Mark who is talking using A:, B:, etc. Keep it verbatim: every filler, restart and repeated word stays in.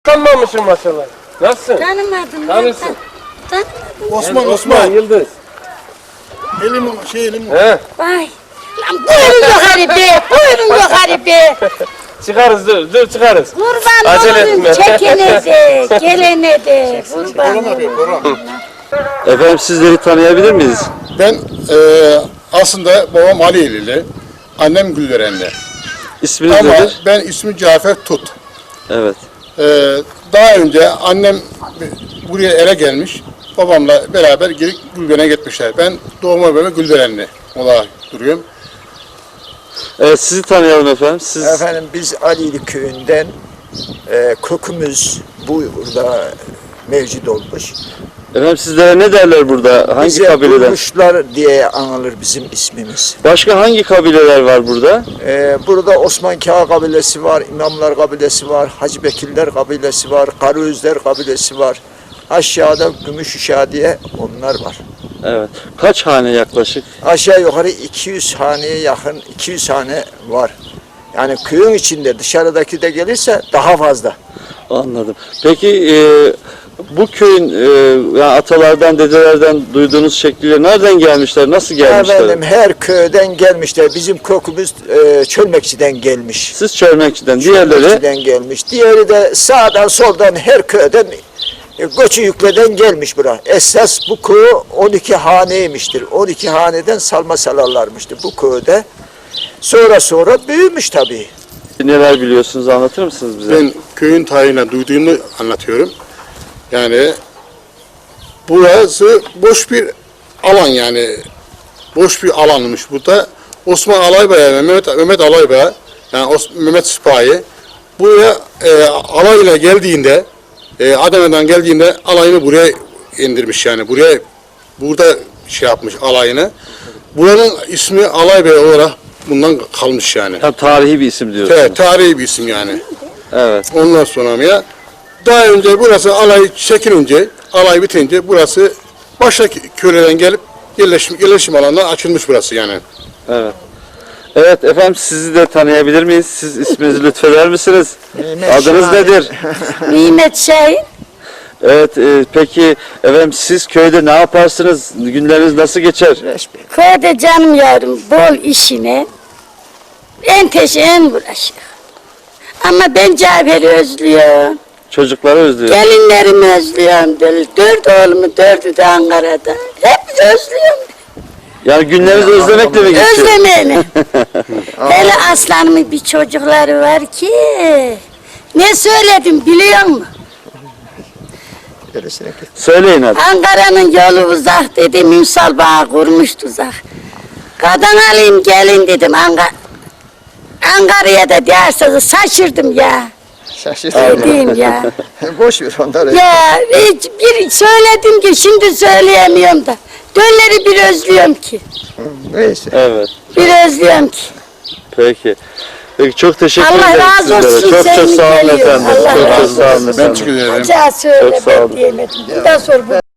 A: Tanımamışım maşallah. Nasılsın?
B: Tanımadım.
A: Tanırsın.
B: Tan
C: Osman,
A: Ben
C: Osman.
A: Yıldız.
C: Elim şey elim.
A: He.
B: Vay. Lan buyurun yukarı be. Buyurun yukarı be.
A: Çıkarız dur, dur çıkarız.
B: Kurban
A: Acele
B: olun
A: etme.
B: çekene de, gelene de. Kurban
C: Koran abi,
B: olun.
C: koran.
D: Efendim sizleri tanıyabilir miyiz?
C: Ben e, aslında babam Aliyeli, annem Gülverenli.
D: İsminiz
C: Ama
D: nedir?
C: ben ismi Cafer Tut.
D: Evet.
C: E, daha önce annem buraya ele gelmiş, babamla beraber gelip Gülveren'e gitmişler. Ben doğma böyle Gülverenli olarak duruyorum.
D: Evet, sizi tanıyalım efendim. Siz
E: Efendim biz Alili köyünden e, kökümüz burada mevcut olmuş.
D: efendim sizlere ne derler burada? Hangi
E: Bize
D: kabileden?
E: Durmuşlar diye anılır bizim ismimiz.
D: Başka hangi kabileler var burada?
E: E, burada Osman Kağ kabilesi var, İmamlar kabilesi var, Hacı Bekirler kabilesi var, Karaözler kabilesi var. Aşağıda Gümüşüşa diye onlar var.
D: Evet. Kaç hane yaklaşık?
E: Aşağı yukarı iki yüz haneye yakın iki yüz hane var. Yani köyün içinde dışarıdaki de gelirse daha fazla.
D: Anladım. Peki e, bu köyün e, yani atalardan, dedelerden duyduğunuz şekliyle nereden gelmişler? Nasıl gelmişler?
E: Efendim her köyden gelmişler. Bizim kökümüz e, Çölmekçi'den gelmiş.
D: Siz Çölmekçi'den, diğerleri
E: Çölmekçi'den gelmiş. Diğeri de sağdan soldan her köyden e, göçü yükleden gelmiş buraya. Esas bu köy on iki haneymiştir. on iki haneden salma salarlarmıştı bu köyde. Sonra sonra büyümüş tabii.
D: neler biliyorsunuz, anlatır mısınız bize?
C: Ben köyün tarihine duyduğumu anlatıyorum. Yani burası boş bir alan yani. Boş bir alanmış burada. Osman Alaybaya ve Mehmet, Mehmet Alaybaya yani Os, Mehmet Sipahi buraya e, alayla geldiğinde e, Adana'dan geldiğinde alayını buraya indirmiş yani. Buraya burada şey yapmış alayını. Buranın ismi Alaybaya olarak bundan kalmış yani.
D: Ha, tarihi bir isim diyorsunuz.
C: Evet, tarihi bir isim yani.
D: Evet.
C: Ondan sonra ya daha önce burası alay çekilince, alay bitince burası başka köylerden gelip yerleşim, yerleşim alanından açılmış burası yani.
D: Evet. Evet efendim, sizi de tanıyabilir miyiz? Siz isminizi lütfeder misiniz?
E: Mehmet
D: Adınız
E: Şahin.
D: nedir?
B: Nimet Şahin.
D: Evet, e, peki efendim siz köyde ne yaparsınız? Günleriniz nasıl geçer?
B: Köyde canım yavrum bol işine en teşe en uğraşır. Ama ben Cafer'i özlüyorum.
D: Çocukları özlüyor.
B: Gelinlerimi özlüyorum. Böyle dört oğlumu dördü de Ankara'da. Hep özlüyorum.
D: Yani günleriniz özlemekle mi geçiyor?
B: Özlemeyeni. Hele aslanımın bir çocukları var ki ne söyledim biliyor musun?
E: Gerisine git.
D: Söyleyin hadi.
B: Ankara'nın yolu uzak dedim. Ünsal bana kurmuş tuzak. Kadın alayım gelin dedim. Ankara Ankara'ya da derseniz şaşırdım ya.
E: Şaşırdım.
B: Dediğim ya.
E: Boş ver onları.
B: Ya hiç bir söyledim ki şimdi söyleyemiyorum da. Dönleri bir özlüyorum ki.
E: Neyse.
D: Evet.
B: Bir özlüyorum ki.
D: Peki. Peki çok teşekkür
B: Allah
D: ederim
B: razı olsun,
D: sizlere. Çok çok
B: senin
D: sağ olun
B: geliyor.
D: efendim.
B: Allah
D: Çok çok
B: razı
D: sağ olun
B: olsun.
C: Ben
D: efendim.
C: teşekkür ederim.
B: Acaba söyle
D: Çok sağ
B: ben
D: olun.
B: diyemedim. Bundan sonra bu